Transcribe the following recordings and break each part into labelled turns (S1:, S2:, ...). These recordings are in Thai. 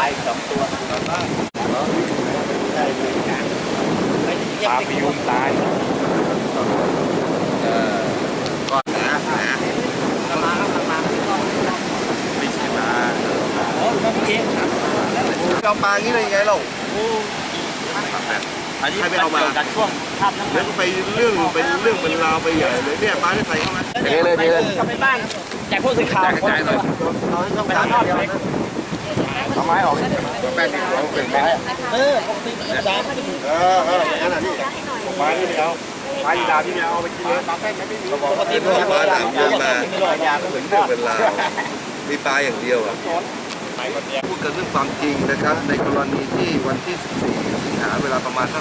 S1: าย2 ตัวปลาพยุงตาย
S2: ก่อนนะ
S1: มาไม่ใช่ปลาโอ้ต้องเองครับ
S2: เอาปลางี้เลยไงเรา
S1: อันนี้เป็นการช่วงภาพนั้น
S2: แล้วก็ไปเรื่องเป็นราวไปใหญ่เลยเนี่ยปลาได้ใส่เข้ามา
S1: เลยทำในบ้านแจกผู้สื่อข่าวคนเลยต้องไปทำนอกเลย
S2: เอาไม้ออกแป้งเอาเป็นไม้
S1: ปกติธรรมดาไม่ได้
S2: งั้นอ่ะนี่ปลาที่ไม่เอาปลาที่ดาที่ไม่เอาไปกินเลยปลาแป้งไม่มีปกติปลาหนามเยอะมาเหมือนเรื่องเป็นราวมีปลาอย่างเดียวอ่ะพูดกันเรื่องความจริงนะครับในกรณีที่วันที่ 14 สิงหาเวลาประมาณสัก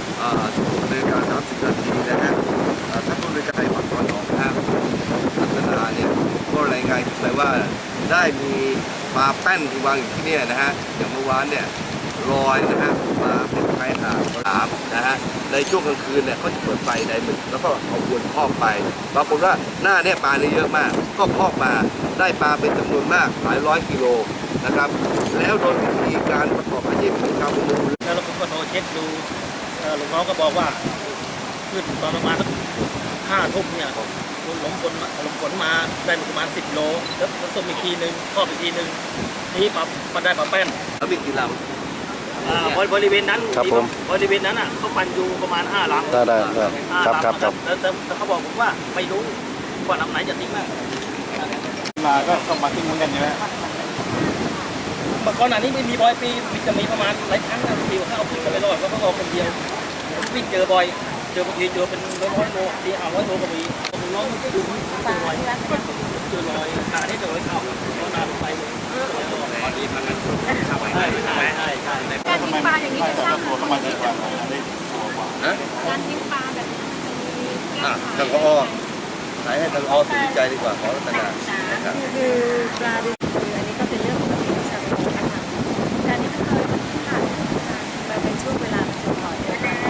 S2: 16:30 นาทีนะฮะท่านผู้บริการวัดสวนหนองท่าพัฒนาเนี่ยก็รายงานขึ้นไปว่าได้มีปลาแป้นที่วางอยู่ที่นี่นะฮะอย่างเมื่อวานเนี่ยลอยนะฮะมาเป็นชายหาดน้ำนะฮะในช่วงกลางคืนเนี่ยเขาจะเปิดไฟในหมึกแล้วก็เอาอวนครอบไปปรากฏว่าหน้าเนี่ยปลาเนี่ยเยอะมากก็ครอบมาได้ปลาเป็นจำนวนมากหลายร้อยกิโลนะครับแล้วโดยวิธีการประกอบอาชีพของชาวประมง
S1: แล้วผมก็โทรเช็คดูลูกน้องก็บอกว่าขึ้นตอนประมาณสัก5 ทุ่มเนี่ยลมฝนมาได้ประมาณ10 โลแล้วต้มอีกทีนึงครอบอีกทีนึงนี่ปลาได้ปลาแป้น
S2: แล้วมีกี่ล
S1: ำบริเวณนั้นบริเวณนั้นอ่ะเขาปั่นอยู่ประมาณ5 ลำ
S3: ได้ครับ
S1: แต่เขาบอกผมว่าไม่รู้ว่าลำไหนจะทิ้ง
S3: มาก็ต้องมาทิ้งเหมือนกันใช่ไหม
S1: เมื่อก่อนหน้านี้ไม่มี100 ปีจะมีประมาณหลายครั้งนะที่เขาเอาขึ้นไปรอดก็เขาเอาคนเดียวผมวิ่งเจอบ่อยเจอบางทีเจอเป็น100 โล400 โลก็มีน้องดูเจอรอยตาที่เจอรอยเข้าแล้วนานไปตอนนี้มันเข้าไปได้ใช่
S4: การทิ้งปลาอย่างนี้จะสร้างตัวเข้ามาดีกว่าการทิ้งปลาแบบ
S2: ทางอ้อไหนให้ทางอ้อตัดสินใจดีกว่าขอรัตนา
S4: คือปลาดิบอันนี้ก็เป็นเรื่องปกติของชาวประมงนะคะการที่เคยผ่านมาเป็นช่วงเวลาสุดท้าย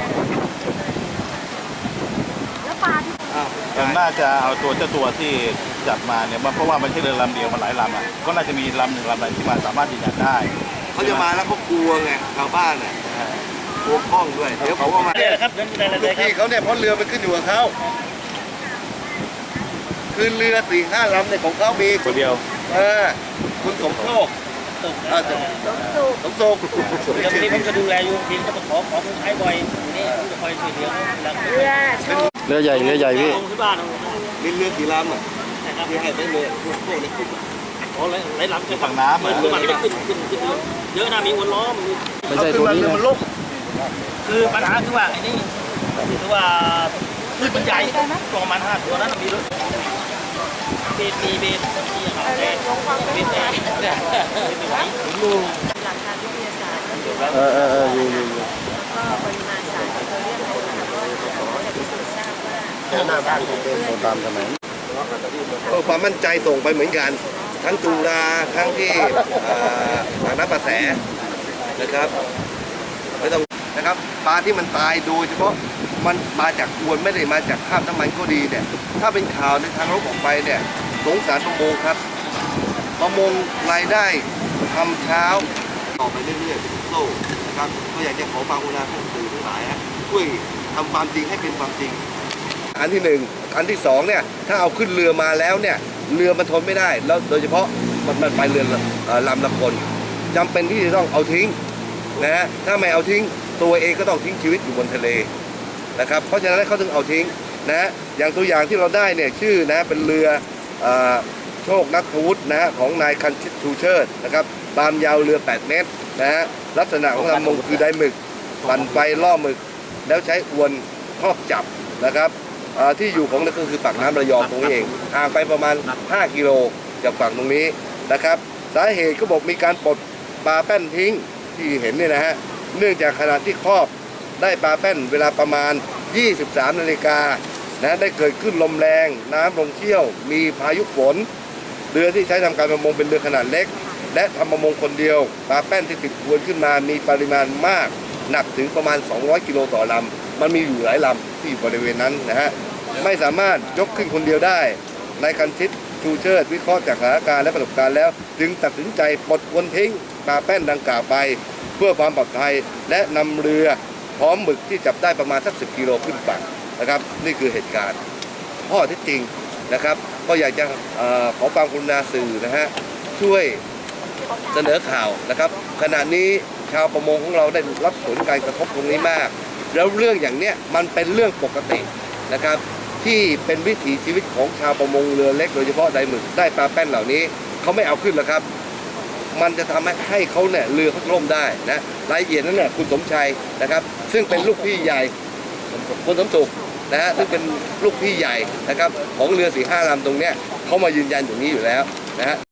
S4: แล้วปลาที่
S3: น่าจะเอาเจ้าตัวที่จับมาเนี่ยเพราะว่ามันไม่ใช่เรือลำเดียวมันหลายลำอ่ะก็น่าจะมีลำหนึ่งลำใดที่มันสามารถยืนยันได้
S2: เขาจะมาแล้วเขากลัวไงชาวบ้านน่ะกลัวข้องด้วยเดี๋ยวเขาก็มา
S1: ครับ
S2: ลูกพี่เขาเนี่ยเพราะเรือมันขึ้นอยู่กับเขาคือเรือ 4-5 ลำเนี่ยของเขามี
S3: คนเดียว
S2: คุณสมโชคสมโชค
S1: ทีนี้ผมจะดูแลอยู่ทีจะมาขอคนใช้บ่อยนี่ผมจะคอยช่วยเหลือ
S3: เรือใหญ่พี่
S1: ที่บ้าน
S2: มีเรือกี่ลำอ่ะที่ให้ได้เรือพวกนี้ขึ้น
S1: อ๋อหลายลำจะฝั่งน้ำมันไม่ขึ้นเยอะนะมีวนล้อ
S3: มันใช่ตัวนี้
S2: มันล่ม
S1: คือปัญหาคือว่าไอ้นี่คือว่าขึ้นมันใหญ่ประมาณ5 ตัวนั้นมีรถเบสที่เขาแค่เบสเนี่ย
S4: ดูหลักการวิทยาศาสตร์ก็คือว่าก็ปริมาณสารที่เราเรียกอะไรก็จะพิสูจน์ทราบว่า
S2: หน้าบ้านของ
S3: เป็นตามสมัย
S2: ความมั่นใจส่งไปเหมือนกันทั้งจุฬาทั้งที่ทางน้ำประแสนะครับไม่ต้องนะครับปลาที่มันตายโดยเฉพาะมันมาจากอวนไม่ได้มาจากคราบน้ำมันก็ดีเนี่ยถ้าเป็นข่าวในทางลบออกไปเนี่ยสงสารประมงครับประมงรายได้ทำเช้าต่อไปเรื่อยๆเป็นโซ่นะครับก็อยากจะขอความกรุณาท่านสื่อทั้งหลายช่วยทำความจริงให้เป็นความจริงอันที่1อันที่2เนี่ยถ้าเอาขึ้นเรือมาแล้วเนี่ยเรือมันทนไม่ได้แล้วโดยเฉพาะมันไปเรือลำละคนจำเป็นที่จะต้องเอาทิ้งนะถ้าไม่เอาทิ้งตัวเองก็ต้องทิ้งชีวิตอยู่บนทะเลนะครับเพราะฉะนั้นเขาถึงเอาทิ้งนะอย่างตัวอย่างที่เราได้เนี่ยชื่อนะเป็นเรือโชคนัทวุฒินะของนายคันชิตชูเชิดนะครับความยาวเรือ8 เมตรนะฮะลักษณะของลำมงคือได้หมึกปั่นไฟล่อหมึกแล้วใช้อวนครอบจับนะครับที่อยู่ของนั่นก็คือปากน้ำระยองตรงนี้เองห่างไปประมาณ5 กิโลจากฝั่งตรงนี้นะครับสาเหตุก็บอกมีการปลดปลาแป้นทิ้งที่เห็นเนี่ยนะฮะเนื่องจากขณะที่ครอบได้ปลาแป้นเวลาประมาณ 23 นาฬิกานะได้เกิดขึ้นลมแรงน้ำลงเชี่ยวมีพายุฝนเรือที่ใช้ทำการประมงเป็นเรือขนาดเล็กและทำประมงคนเดียวปลาแป้นที่ติดอวนขึ้นมามีปริมาณมากหนักถึงประมาณ200 กิโลต่อลำมันมีอยู่หลายลำที่อยู่บริเวณนั้นนะฮะไม่สามารถยกขึ้นคนเดียวได้นายคันชิตชูเชิดวิเคราะห์จากสถานการณ์และประสบการณ์แล้วจึงตัดสินใจปลดอวนทิ้งปลาแป้นดังกล่าวไปเพื่อความปลอดภัยและนำเรือพร้อมหมึกที่จับได้ประมาณสัก10 กิโลขึ้นฝั่งนะครับนี่คือเหตุการณ์ข้อเท็จจริงนะครับก็อยากจะขอความกรุณาสื่อนะฮะช่วยเสนอข่าวนะครับขณะนี้ชาวประมงของเราได้รับผลการกระทบตรงนี้มากแล้วเรื่องอย่างเนี้ยมันเป็นเรื่องปกตินะครับที่เป็นวิถีชีวิตของชาวประมงเรือเล็กโดยเฉพาะไดหมึกได้ปลาแป้นเหล่านี้เขาไม่เอาขึ้นหรอกครับมันจะทำให้เขาเนี่ยเรือเขาล่มได้นะรายละเอียดนั้นเนี่ยคุณสมชัยนะครับซึ่งเป็นลูกพี่ใหญ่คุณสมสุขนะฮะซึ่งเป็นลูกพี่ใหญ่นะครับของเรือ4-5 ลำตรงเนี้ยเขามายืนยันอย่างนี้อยู่แล้วนะฮะ